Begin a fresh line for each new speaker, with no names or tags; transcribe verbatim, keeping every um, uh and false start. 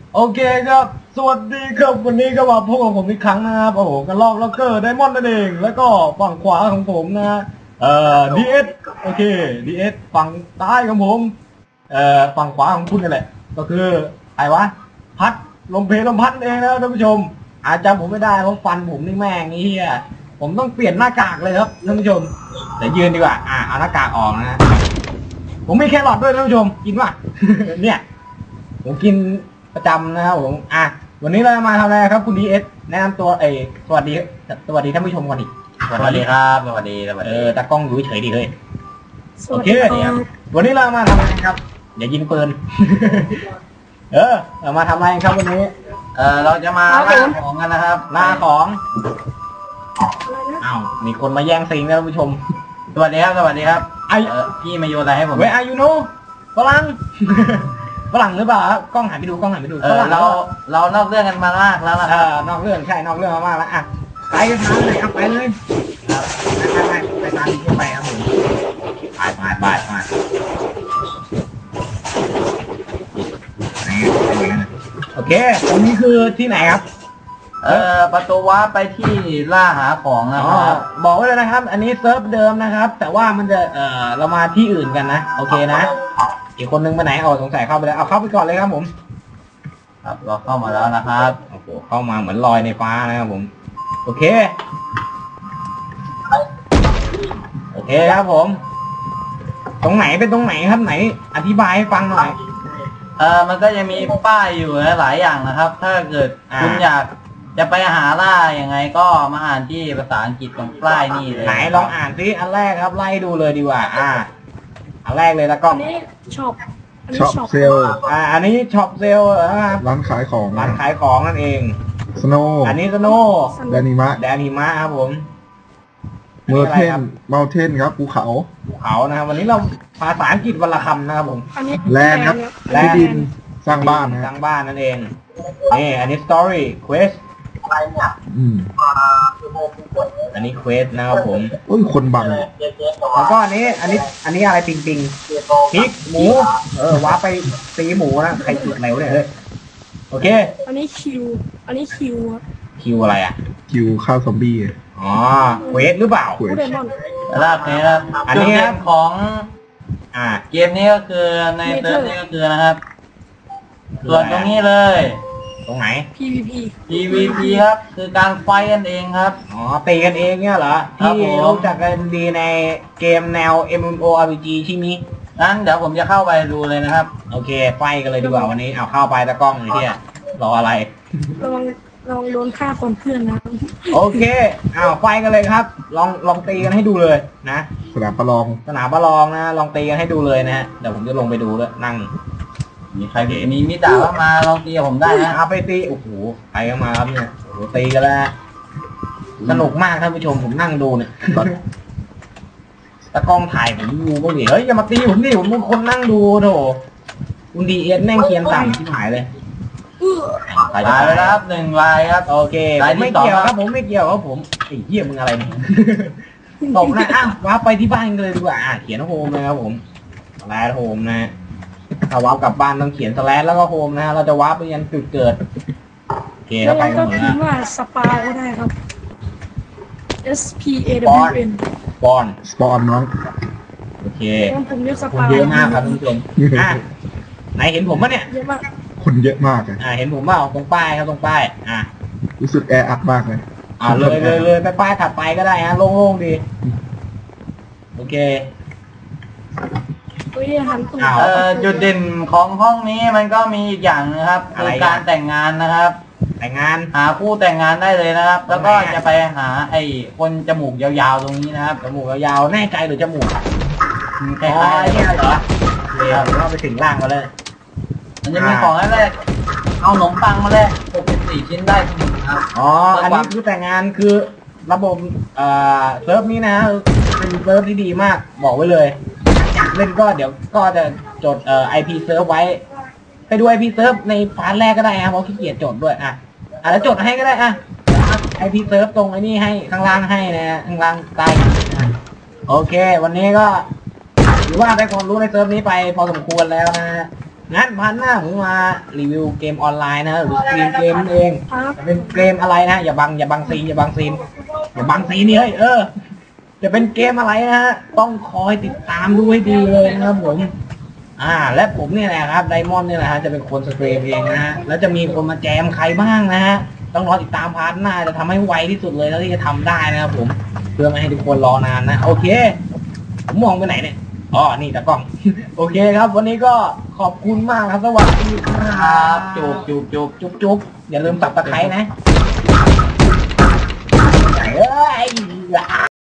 โอเคครับสวัสดีครับวันนี้ก็มาพบกับผมอีกครั้งนะครับโอ้โหกันลอกล็อกเกอร์ไดมอนด์นั่นเองแล้วก็ฝั่งขวาของผมนะเอ่อดีเอสโอเคดีเอสฝั่งซ้ายของผมเอ่อฝั่งขวาของคุณนี่แหละก็คือใครวะพัดลมเพลลมพัดเองนะท่านผู้ชมอาจจำผมไม่ได้เพราะฟันผมนี่แม่งนี่เฮียผมต้องเปลี่ยนหน้ากากเลยครับท่านผู้ชมแต่ยืนดีกว่าอ่าเอาหน้ากากออกนะผมมีแครอทด้วยท่านผู้ชมกินป่ะ เนี่ยผมกินประจำนะครับผมอ่ะวันนี้เราจะมาทำอะไรครับคุณดีเอสแนะนำตัวเอสวัสดีสวัสดีท่านผู้ชมก่อนดิ
สวัสดีครับสวัสดีสวัสดี
เออตากล้องอยู่เฉยดีเลยโอเควันนี้เรามาทำอะไรครับอย่ายิงปืน เออเรามาทำอะไรครับวันนี้
เออเราจะมาล่าของกันนะครับ
ล่าของอ้าวมีคนมาแย่งซิงนะท่านผู้ชม
สวัสดีครับสวัสดีครับไอพี่มาโยนอะไรให้ผม
เว้ยอายุโนฝรั่งฝรั่งหรือเปล่ากล้องหันไปดูกล้องหันไปดู
เออเราเรานอกเรื่องกันมามากแล้วนะ
เออนอกเรื่องใช่นอกเรื่องมากแล้วอ่ะไปกันทางไหนครับไปเลยครับไปไปไปตามที่ไปครับผมไปไปไปไปโอเคตรงนี้คือที่ไหนครับ
เออประตูว้าไปที่ล่าหาของนะครับ
บอกไว้เลยนะครับอันนี้เซิร์ฟเดิมนะครับแต่ว่ามันจะเออเรามาที่อื่นกันนะโอเคนะอีกคนนึงไปไหนเอาสงสัยเข้าไปแล้วเอาเข้าไปก่อนเลยครับผม
ครับเราเข้ามาแล้วนะครับ
โอ้โหเข้ามาเหมือนลอยในฟ้านะครับผมโอเคโอเคครับผมตรงไหนเป็นตรงไหนครับไหนอธิบายให้ฟังหน่อย
เออมันก็จะมีป้ายอยู่หลายอย่างนะครับถ้าเกิดคุณอยากจะไปหาล่าอย่างไงก็มาอ่านที่ภาษาอังกฤษตรงป้ายนี่เลย
ไหนลองอ่านซิอันแรกครับไล่ดูเลยดีกว่าอ่าอันแรกเลยแล้วก็
อันนี้ช็อป
ช็อปเซล
อ่าอันนี้ช็อปเซลนะครับ
ร้านขายของ
ร้านขายของนั่นเอง
สโนว์
อันนี้สโนว์
แดนิมะ
แดนิมะครับผม
เมอร์เทนเมอร์เทนครับภูเขา
ภูเขานะครับวันนี้เราภาษาอังกฤษวันละคำนะครับผม
แลนด์ครับที่ดินสร้างบ้าน
สร้างบ้านนั่นเองนี่อันนี้ story quest
อืม
อันนี้ quest นะครับผม
โอ้ยคนบัง
แล้วก็อันนี้อันนี้อันนี้อะไรปิงปิงพริกหมูเออว้าไปตีหมูนะใครจุดไหนวะเนี่ยเฮ้ยโอเค
อันนี้คิวอันนี้คิว
คิวอะไรอ่ะ
คิวข้าวซอมบี้
อ๋อเควสหรือเปล่า
เควส
ลาบนี้ครับอันนี้ครับของอ่าเกมนี้ก็คือในเซิร์ฟนี้ก็คือนะครับส่วนตรงนี้เลย
ตรงไหน
พี วี พี
พี วี พี ครับคือการไฟกันเองครับ
อ๋อตีกันเองเนี่ยเหรอที่รู้จักกันดีในเกมแนว เอ็ม เอ็ม โอ อาร์ พี จี ใช่ไหม
งั้นเดี๋ยวผมจะเข้าไปดูเลยนะครับ
โอเคไฟกันเลยดีกว่าวันนี้เอาเข้าไปตะกล้องเลยที่รออะไร
ระวังลองโดนฆ่าคนเพื่อนนะ
โอเคอ้าวไฟกันเลยครับลองลองตีกันให้ดูเลยนะ
สนามประลอง
สนามประลองนะลองตีกันให้ดูเลยนะฮะเดี๋ยวผมจะลงไปดูด้วยนั่ง
มีใครมีมิตรว่ามาลองตีกับผมได้นะ
เอาไปตีโอ้โหใครก็มาครับเนี่ยโอ้โหตีกันแล้วสนุกมากท่านผู้ชมผมนั่งดูเนี่ยตะกล้องถ่ายผมดูก็ดิเฮ้ยอย่ามาตีผมดิผมเป็นคนนั่งดูโถคุณดีเอสแม่งเคียนต่ำที่หายเลย
ตายแล้วครับหนึ่งลายครับ
โอเคผมไม่เกี่ยวครับผมไม่เกี่ยวครับผมไอ้เหี้ยมึงอะไรเนี่ยตกนะอ้าวว้าไปที่บ้านกันเลยดีกว่าเขียนโฮมนะครับผมสแลชโฮมนะถ้าว้ากลับบ้านต้องเขียนสแลชแล้วก็โฮมนะเราจะว้าไปยันจุดเกิดโอเค
แล้ว
ไป
ก็พิมพ์ว่าสปาก็ได้ครับ S P A W N
บอน
สปอนน้อง
โอเค
ผมเรียกสปา
เยอะมากครับท่านผู้ชมอ่ะไหนเห็นผมปะเนี่ย
เยอะมาก
คนเยอะมากเลย
อ่าเห็นผมเปล่าตรงป้ายครับตรงป้ายอ่ะ
รู้สึกแออัดมากเลย
อ่าเลยเลยเลยไปป้ายถัดไปก็ได้ฮะโล่งๆดีโอเค
เอ่อจุดเด่นของห้องนี้มันก็มีอีกอย่างนะครับคือการแต่งงานนะครับ
แต่งงาน
หาคู่แต่งงานได้เลยนะครับแล้วก็จะไปหาไอ้คนจมูกยาวๆตรงนี้นะครับ
จมูกยาวๆแน่ใจหรือจมูก
คล้ายๆเนี่ยเหรอ
เดี๋ยวเราไปถึงล่างมาเลย
มันจะมีของแรกเอาขนมปังมาแรกหกสิบสี่ชิ้นได้ทุกคนครับ
อ๋ออันนี้คือแต่งงานคือระบบเอ่อเซิร์ฟนี้นะเป็นเซิร์ฟที่ดีมากบอกไว้เลยเล่นก็เดี๋ยวก็จะจดเอ่อ ไอ พี เซิร์ฟไว้ไปดู ไอ พี เซิร์ฟในพาร์ทแรกก็ได้นะเพราะขี้เกียจจดด้วยอ่ะอ่ะแล้วจดให้ก็ได้อ่ะ ไอ พี เซิร์ฟตรงไอ้นี่ให้ข้างล่างให้นะข้างล่างใต้โอเควันนี้ก็ถือว่าได้ความรู้ในเซิร์ฟนี้ไปพอสมควรแล้วนะงั้นพันหน้าผมมารีวิวเกมออนไลน์นะหรือสตรีมเกมเอง
ครับ
จะเป็นเกมอะไรนะอย่าบังอย่าบังซีนอย่าบังซีนอย่าบังซีนนี่เฮ้ยเออจะเป็นเกมอะไรนะฮะต้องคอยติดตามดูให้ดีเลยนะครับผมอ่าและผมเนี่ยแหละครับไดมอนด์เนี่ยแหละฮะจะเป็นคนสตรีมเองนะฮะแล้วจะมีคนมาแจมใครบ้างนะฮะต้องรอติดตามพาร์ทหน้าจะทำให้ไวที่สุดเลยแล้วที่จะทำได้นะครับผมเพื่อไม่ให้ทุกคนรอนานนะโอเคผมมองไปไหนเนี่ยอ๋อนี่ตากล้อง โอเคครับ วันนี้ก็ขอบคุณมากครับสวัสดีค
ค
รั
รั
บบ
จูบจูบจูบ
จุ๊บจุ๊บอย่าลืมสับตะไคร้นะเอ้ย